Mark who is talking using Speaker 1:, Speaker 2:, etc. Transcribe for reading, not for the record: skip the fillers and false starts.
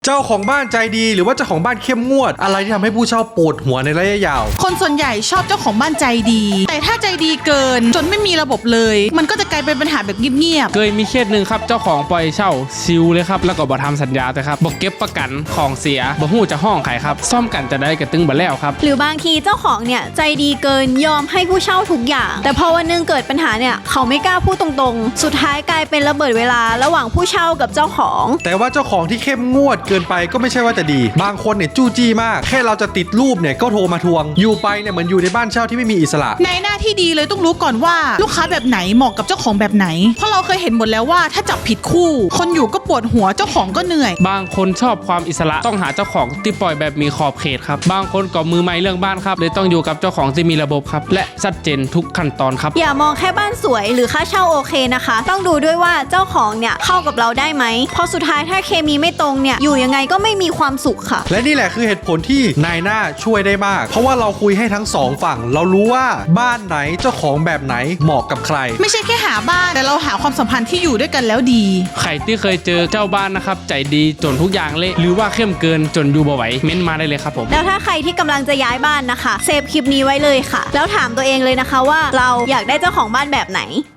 Speaker 1: เจ้าของบ้านใจดีหรือว่าเจ้าของบ้านเข้มงวดอะไรที่ทำให้ผู้เช่าปวดหัวในระยะยาว
Speaker 2: คนส่วนใหญ่ชอบเจ้าของบ้านใจดีแต่ถ้าใจดีเกินจนไม่มีระบบเลยมันก็จะกลายเป็นปัญหาแบบเงียบ
Speaker 3: เคยมีเคสหนึ่งครับเจ้าของปล่อยเช่าซิวเลยครับแล้วก็บ่ทำสัญญาแต่ครับบ่เก็บประกันของเสียบ่ฮู้จะห้องใครครับซ่อมกันจะได้กระตึงบ่แล้วครับ
Speaker 4: หรือบางทีเจ้าของเนี่ยใจดีเกินยอมให้ผู้เช่าทุกอย่างแต่พอวันนึงเกิดปัญหาเนี่ยเขาไม่กล้าพูดตรงๆสุดท้ายกลายเป็นระเบิดเวลาระหว่างผู้เช่ากับเจ้าของ
Speaker 1: แต่ว่าเจ้าของที่เข้มงวดเกินไปก็ไม่ใช่ว่าจะดีบางคนเนี่ยจู้จี้มากแค่เราจะติดรูปเนี่ยก็โทรมาทวงอยู่ไปเนี่ยเหมือนอยู่ในบ้านเช่าที่ไม่มีอิสระ
Speaker 2: ในหน้าที่ดีเลยต้องรู้ก่อนว่าลูกค้าแบบไหนเหมาะกับเจ้าของแบบไหนเพราะเราเคยเห็นหมดแล้วว่าถ้าจับผิดคู่คนอยู่ก็ปวดหัวเจ้าของก็เหนื่อย
Speaker 3: บางคนชอบความอิสระต้องหาเจ้าของที่ปล่อยแบบมีขอบเขตครับบางคนก็มือใหม่เรื่องบ้านครับเลยต้องอยู่กับเจ้าของที่มีระบบครับและชัดเจนทุกขั้นตอนครับ
Speaker 4: อย่ามองแค่บ้านสวยหรือค่าเช่าโอเคนะคะต้องดูด้วยว่าเจ้าของเนี่ยเข้ากับเราได้ไหมเพราะสุดท้ายถ้าเคมีไม่ตรงเนี่ยอยู่ยังไงก็ไม่มีความสุขค่ะ
Speaker 1: และนี่แหละคือเหตุผลที่นายหน้าช่วยได้มากเพราะว่าเราคุยให้ทั้งสองฝั่งเรารู้ว่าบ้านไหนเจ้าของแบบไหนเหมาะกับใคร
Speaker 2: ไม่ใช่แค่หาบ้านแต่เราหาความสัมพันธ์ที่อยู่ด้วยกันแล้วดี
Speaker 3: ใครที่เคยเจอเจ้าบ้านนะครับใจดีจนทุกอย่างเละหรือว่าเข้มเกินจนอยู่บ่ไหวเม้นมาได้เลยครับผม
Speaker 4: แล้วถ้าใครที่กำลังจะย้ายบ้านนะคะเซฟคลิปนี้ไว้เลยค่ะแล้วถามตัวเองเลยนะคะว่าเราอยากได้เจ้าของบ้านแบบไหน